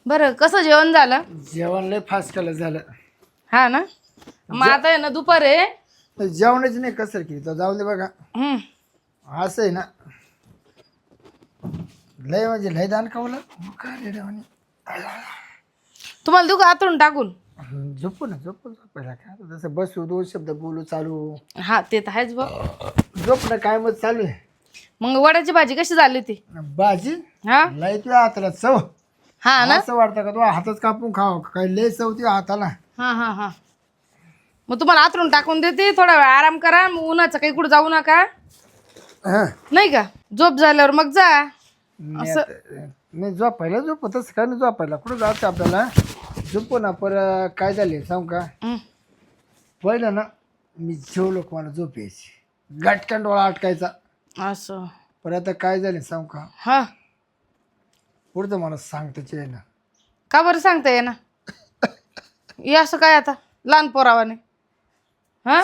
बरं कसं जेवण झालं? जेवण लय फास्ट केलं झालं. हा ना. मग आता आहे ना दुपार आहे. जेवणाची नाही कसर केली तर जाऊ दे बघा. असं आहे ना, लय म्हणजे लय दान खावलं काय रे देवानी. तुम्हाला देऊ का आतून टाकून? झोपू ना झोपायला काय आता, जसं बसू दोन शब्द बोलू चालू हा ते तर आहेच बघ. झोप ना काय मग चालू आहे. मग वड्याची भाजी कशी झाली होती? भाजी हा लय तुझ्या हाताला चव. हा ना. असं वाटतं का तू हातच कापून खाव काय, लय चव तुझ्या हाताला. हा हा हा. मग तुम्हाला आतरून टाकून देते, थोडा वेळ आराम करा. मग उन्हाचं काही कुठं जाऊ नका, हा नाही का? झोप झाल्यावर मग जा. असं नाही झोपायला झोपतच काय नाही, झोपायला कुठं जायचं आपल्याला. झोपू ना पर काय झाले सांग का. पहिलं ना मी जेवलो का मला झोप यायची, गटकन डोळा अटकायचा. असं पण आता काय झाले सांग का, हा. पुढचं मला सांगताच आहे ना. का बरं सांगताय ना? हे असं काय आता लहान पोरावाने? हा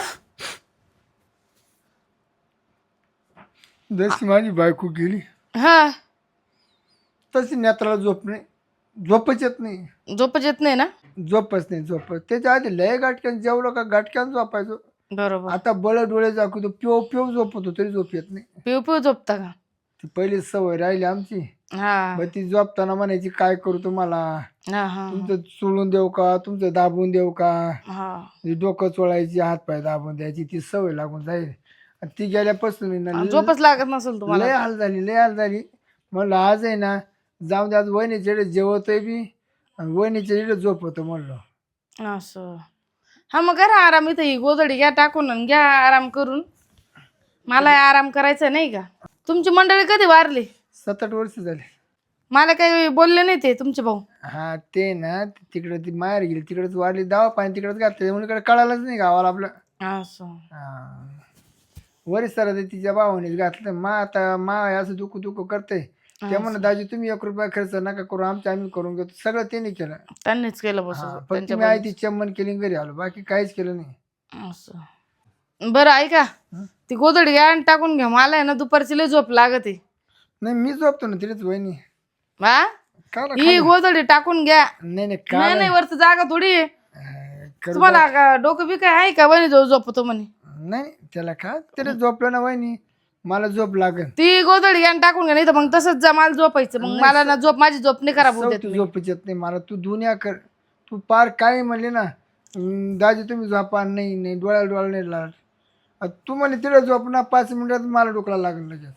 जशी माझी बायको गेली हा. तशी नेत्राला झोप नाही, झोपच येत नाही. झोपच येत नाही ना? झोपच नाही झोपच. त्याच्या आधी लय गाठक्यान जेवलो का गाठक्यान झोपायचो. बरोबर. आता बळ डोळे दाखवतो, पिव पिव झोपतो तरी झोप येत नाही. पिऊ पिऊ झोपता का? ती पहिली सवय राहिली आमची. हा मग ती झोपताना म्हणायची काय करू तुम्हाला, हा हा तुमचं चोळून देऊ का, तुमचं दाबून देऊ का. हा. ती डोकं चोळायची, हात पाय दाबून द्यायची. ती सवय लागून जाईल. आणि ती गेल्यापासून आहे ना झोपच लागत नसेल तुम्हाला? लय हाल झाली लय हाल झाली. म्हणलं आज आहे ना जाऊन दे, आज वहिनीच्या इकडे जेवतोय बी आणि वहिनीच्या इकडे झोपवतो म्हणलं. असं हा. मग करा आराम. इथं ही गोधडी घ्या टाकून आणि घ्या आराम करून. मला आराम करायचा नाही का? तुमची मंडळी कधी वारली? 7-8 वर्ष झाले. मला काही बोलले नाही ते तुमचे भाऊ? हा ते ना तिकडे ती माहेर गेली, तिकडेच वाढली, दवा पाणी तिकडेच घातलं म्हणून इकडे कळालंच नाही गावाला आपलं. असं वरीस सर तिच्या भावानेच घातलं. आता मा असं दुखू दुखू करते. ते म्हणून दाजी तुम्ही 1 रुपया खर्च नका करू, आम्ही करून घेतो. सगळं त्यांनी केलं. त्यांनीच केलं बस. फक्त मी आई ती चम्मन केली घरी आलो, बाकी काहीच केलं नाही. असं बरं ऐका, ती गोधडी घ्या आणि टाकून घ्या. मला आहे ना दुपारची लय झोप लागते. नाही मी झोपतो ना तिथेच वहिनी. हा ही गोधडी टाकून घ्या. नाही नाही नाही नाही वरती जागा थोडी आहे. करू तुम्हाला का डोकं बी काय आहे का? वहिनी जाऊ झोपतो म्हणे. नाही त्याला का तिथे झोपलं ना वहिनी, मला झोप लागेल. ती गोधडी घ्या आणि टाकून घ्या, नाही तर मग तसंच जा. मला झोपायचं. मग मला ना झोप, माझी झोप नाही खराब होत. तू झोपच येत नाही मला. तू दुनिया कर, तू पार काय म्हणले ना दाजी तुम्ही झोपा. नाही नाही डोळ्याला नाही लागत. तू म्हणे तिथे झोप ना 5 मिनिटात मला डोकला लागेल लगेच.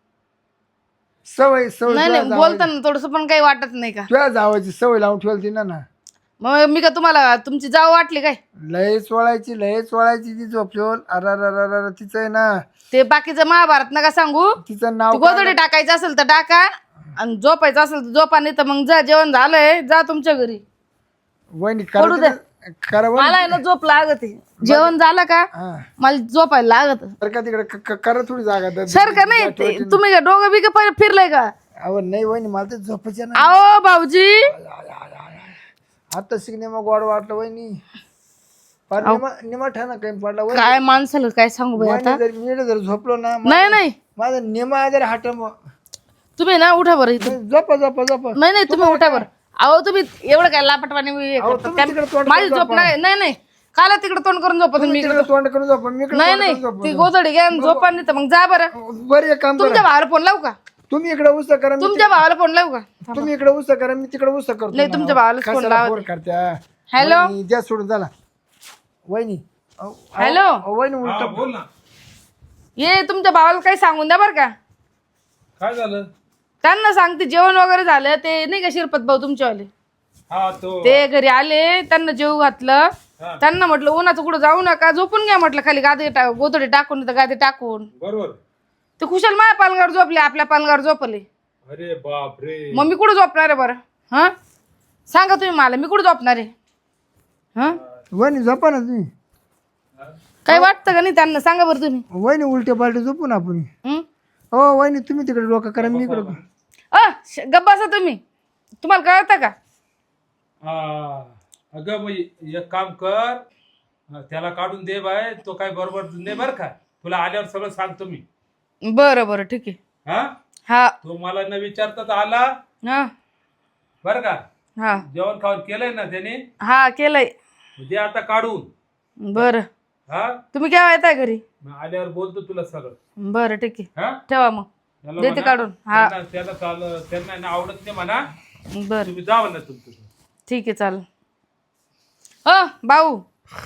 सवय सवय नाही नाही बोलताना थोडस पण काही वाटत नाही का? तुझ्या जावायची सवय लावून ठेवली ना. मग मी का तुम्हाला तुमची जाव वाटली काय? लयच वळायची ती झोपल्यावर. अर तिचं आहे ना ते बाकीचं महाभारत नका सांगू. तिचं नाव गोधडी टाकायचं असेल तर टाका आणि झोपायचं असेल तर झोपा, नाही तर मग जा. जेवण झालंय, जा तुमच्या घरी. वहिनी पडू द्या. करा मला आहे ना झोप लागत. जेवण झालं का मला झोपायला लागत. का तिकडे करा थोडी जागा सर का नाही तुम्ही डोकं बी का फिरलंय का? अहो नाही वहिनी मला तर झोपायच्या ना. आओ भाऊजी आता शिकणे मग गोड वाटलं वहिनी. निमा ठाणा काही पडला वहिनी. काय माणसाला काय सांगू बाई आता. मी जर झोपलो ना नाही नाही माझा निमा जर हाट तुम्ही ना उठा बरं इथं. झोपा नाही नाही तुम्ही उठा बरं. अहो तुम्ही एवढं काय लापटवाने माझी झोप नाही. नाही नाही काला तिकडे तोंड करून झोपा तुम्ही. तोंड करून झोपा. मी नाही नाही ती गोधडी घ्या झोपा, नाही तर मग जा बरं. बरं एक काम तुमच्या भावाला फोन लावू का? तुम्ही इकडे उसा करा, तुमच्या भावाला फोन लावू का? तुम्ही इकडे उसा करा, मी तिकडे उसा करतो. नाही तुमच्या भावाला फोन लावा. करत्या. हॅलो द्या सोडून झाला वहिनी. हॅलो वहिनी उलट बोल ना. ये तुमच्या भावाला काही सांगून द्या बरं का. काय झालं? त्यांना सांगते जेवण वगैरे झालं. ते नाही का शिरपत भाऊ तुमच्यावाले, हा तो ते घरी आले, त्यांना जेव घातलं. त्यांना म्हटलं उन्हाचं कुठं जाऊ नका, झोपून घ्या म्हटलं खाली गादी गोधडी टाकून, तर गादी टाकून. बरोबर. ते खुशाल माझ्या पालगावर झोपले, आपल्या पालगावर झोपले. अरे बाप रे. मग मी कुठं झोपणार आहे बरं? हा सांगा तुम्ही मला, मी कुठं झोपणार आहे? हा वहिनी झोपा ना तुम्ही. काही वाटतं का नाही त्यांना? सांगा बरं तुम्ही. वहिनी उलटे पालटे झोपू ना आपण. हं? हो वहिनी तुम्ही तिकडे डोकं करा, मी इकडे. गप्प बसा तुम्ही. तुम्हाला कळतं का? हा अगं मग एक काम कर, त्याला काढून दे बाय. तो काय बरोबर नाही बर का. तुला आल्यावर सगळं सांगतो मी. बरं बरं ठीक आहे. हा हा तो मला न विचारता आला हा बर का. हा जेवण खाऊन केलंय ना त्याने? हा केलंय. दे आता काढून. बरं हा तुम्ही केव्हा येताय घरी? मग आल्यावर बोलतो तुला सगळं. बरं ठीक आहे, हा ठेवा मग. त्याला देते म्हणा, काढून. हा त्यांना ना आवडत नाही म्हणा. बरं तुम्ही जावा ना तुमचं. ठीक आहे चालेल. भाऊ.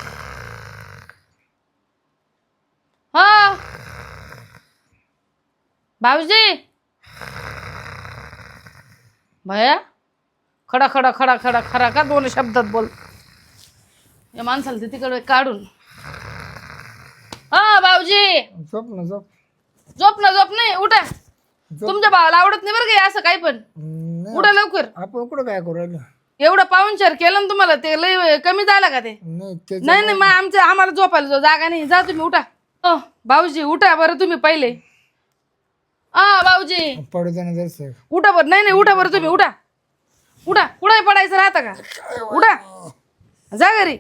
हा भाऊजी. भया खडा खडा खडा खडा खरा का दोन शब्दात बोल. या माणसाला ते तिकडे काढून. हा भाऊजी. झोप ना झोप. झोप ना झोप नाही, उठा. तुमच्या भावाला आवडत नाही बरं का असं काही पण. नाही, उठा लवकर. आपण कुठं काय करू राहिलो? एवढं पाहुणचार केलं ना तुम्हाला, ते लय कमी झालं का ते? नाही नाही नाही मग आम्हाला झोपायला जागा नाही. जा तुम्ही उठा. भाऊजी उठा बरं तुम्ही पहिले. भाऊजी पडू दे ना जरसं. उठा बरं. नाही नाही उठा बरं तुम्ही. उठा उठा. कुठे पडायचं राहतं का? उठा जा घरी.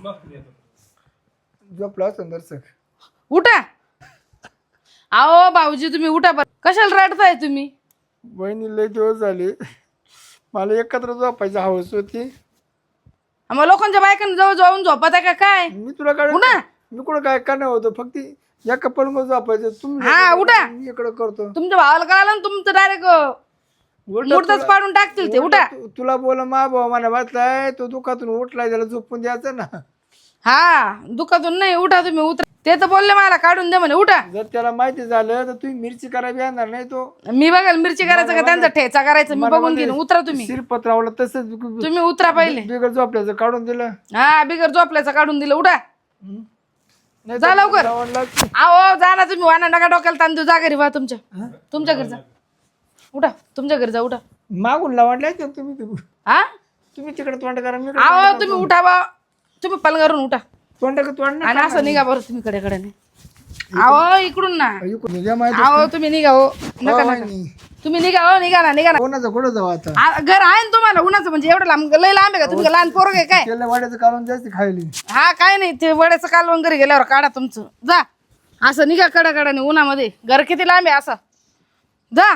झोपला असं जरसं. उठा. अहो भाऊजी तुम्ही उठा बरं. कशाला रडताय तुम्ही? बहिणी लय दिवस झाले, मला एकत्र झोपायची हवस होती. मग लोकांच्या बायकांना जवळ जाऊन झोपत आहे का काय? मी तुला काय उठा. मी कुठं काय करणार होतो, फक्त या कपल मध्ये झोपायचं. तुम्ही हा, उठा. मी इकडं करतो. तुमच्या भावाला कळालं ना तुमचं डायरेक्ट मुर्दाच पाडून टाकतील ते. उठा. तुला बोला मा भाऊ मला वाचलाय, तो दुखातून उठलाय, त्याला झोपून द्यायचं ना. हा दुखातून नाही. उठा तुम्ही. उतरा. ते तर बोलले मला काढून दे म्हणे. उठा. जर त्याला माहिती झालं तर तुम्ही मिरची करायला येणार नाही. तो मी बघाल मिरची करायचं का त्यांचा ठेचा करायचा मी बघून घेईन. उतरा तुम्ही. शिरपत्रावला तसंच तुम्ही उतरा पहिले. बिगर झोपल्याचं काढून दिलं. हा बिगर झोपल्याचं काढून दिलं. उठा. नाही जा तर लवकर. लावायला लागतं. अहो जा ना तुम्ही. वाना नका डोक्याला तांदूळ. जा घरी वा तुमच्या घरी जा. उठा तुमच्या घरी जा. उठा. मागून लावडलाय तुम्ही हा तुम्ही तिकडे तोंड करा, मी अहो तुम्ही उठा बा. तुम्ही पलंगावरून उठा तोंड तोंड आणि असं निघा बरं तुम्ही कडे अहो इकडून ना. माहिती अहो तुम्ही निघा हो. नका नका तुम्ही निघा हो. निघा ना निघा ना. कोणाचं कुठं जाऊ आता? घर आहे ना तुम्हाला उन्हाचं म्हणजे एवढं लांब लय लांब आहे का? तुम्ही लहान पोरग आहे काय? तेल वाड्याचं काढून जास्त खायली. हा काय नाही ते वड्याचं कालवण घरी गेल्यावर काढा तुमचं. जा असं निघा कडाकडाने उन्हामध्ये. घर किती लांब आहे असं. जा.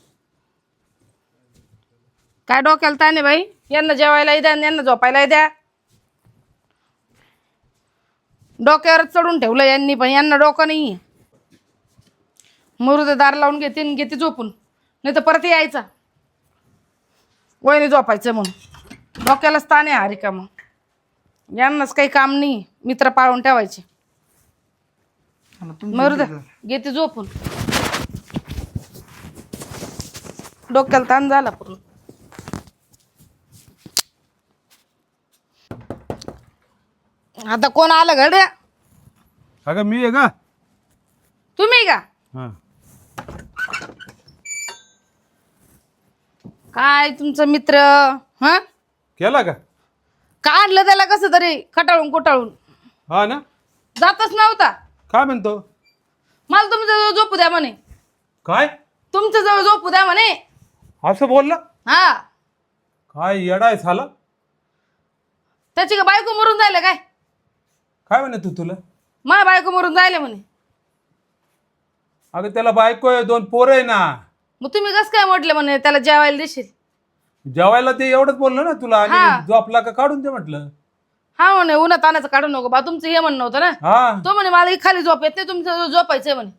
काय डोक्याला ताने बाई. यांना जेवायला द्या, यांना झोपायला द्या. डोक्यावरच चढून ठेवलं यांनी, पण यांना डोकं नाही. मुरुदे दार लावून घेते झोपून. नाही तर परत यायचा वहिनी झोपायचं म्हणून. डोक्यालाच ताने हा रिकामं. यांनाच काही काम नाही. मित्र पाळून ठेवायचे. मरुदे घेते झोपून. डोक्याला ताण झाला पूर्ण. आता कोण आलं गड्या? अगं मी आहे का? तुम्ही का? हा काय तुमचा मित्र? हा केला का? काढलं त्याला कसं तरी खटाळून कुटाळून. हा ना. जातच नव्हता. काय म्हणतो? मला तुमच्या जवळ झोपू द्या म्हणे. काय तुमच्या जवळ झोपू द्या म्हणे. असं बोलला? हा काय येडाय झाला? त्याची का बायको मरून जायला काय? काय म्हणे तू तुला? माझ्या बायको मरून जायला म्हणे. अगं त्याला बायको आहे, 2 पोरं आहे ना. मग तुम्ही कसं काय म्हटलं म्हणे त्याला जेवायला देशील? जेवायला ते एवढंच बोललो ना तुला. हा. आणि झोपला का काढून दे म्हटलं. हा म्हणे उन्हात तानाचं काढू नको बा. तुमचं हे म्हणणं होतं ना. हा तो म्हणे मला खाली झोप येत नाही, तुमचं झोपायचंय म्हणे.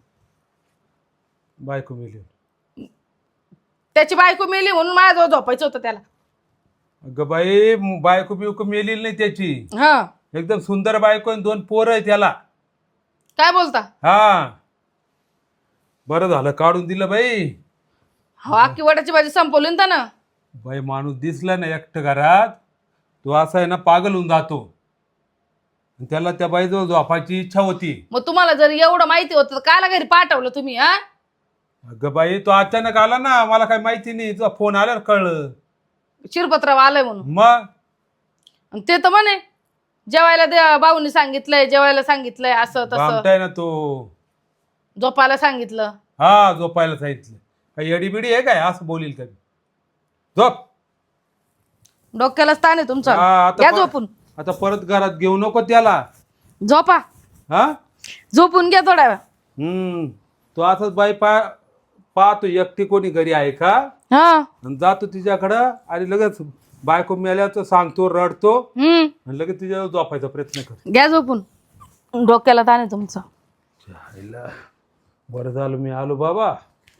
बायको मेली. त्याची बायको मेली म्हणून माझ्याजवळ झोपायचं होतं त्याला. अगं बाई बायको बियको मेलेली नाही त्याची. हा एकदम सुंदर बायको आणि 2 पोरं आहे त्याला. काय बोलता? हा बरं झालं काढून दिलं बाई. हो अख्खी वडाची भाजी संपवली ना त्यानं. बाई माणूस दिसला ना एकटं घरात, तो असा आहे ना पागल होऊन जातो. आणि त्याला त्या बाईजवळ झोपायची इच्छा होती. मग तुम्हाला जर एवढं माहिती होतं तर कायला घरी पाठवलं तुम्ही? हा अगं बाई तो अचानक आला ना, मला काही माहिती नाही. तुझा फोन आल्यावर कळलं. शिरपत्राव आलंय म्हणून. मग आणि ते तर म्हणे जेवायला द्या, भाऊनी सांगितलंय जेवायला सांगितलंय असं तसं. भामटाय ना तो. झोपायला सांगितलं. हा झोपायला सांगितलं. काही एडीबिडी आहे काय असं बोलील कधी? झोप. डोक्याला ताण आहे तुमचा. हा, घ्या झोपून. आता परत घरात घेऊ नको त्याला. झोपा. हा झोपून घ्या थोड्या वेळ. तो असंच बाई पाहतो एकटी कोणी घरी आहे का, हा आणि जातो तिच्याकडं आणि लगेच बायको मेल्याचं सांगतो रडतो हम्म, आणि लगेच तिच्यावर झोपायचा प्रयत्न कर. घ्या झोपून. डोक्याला ताण आहे तुमचं. जायला. बरं झालं मी आलो बाबा.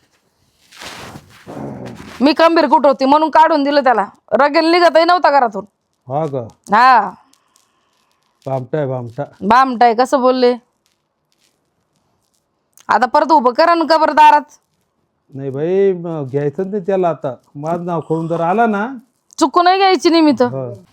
मी खंबीर कुठं होती म्हणून काढून दिलं त्याला. रगेल निघतही नव्हता घरातून. हा का? हा, बामटा बामटा. बामटाय कसं बोलले. आता परत उभं करा ना कबर दारात. नाही भाई घ्यायचं नाही त्याला आता. माझं नाव करून जर आला ना चुकू नाही घ्यायची निमित्त. हा.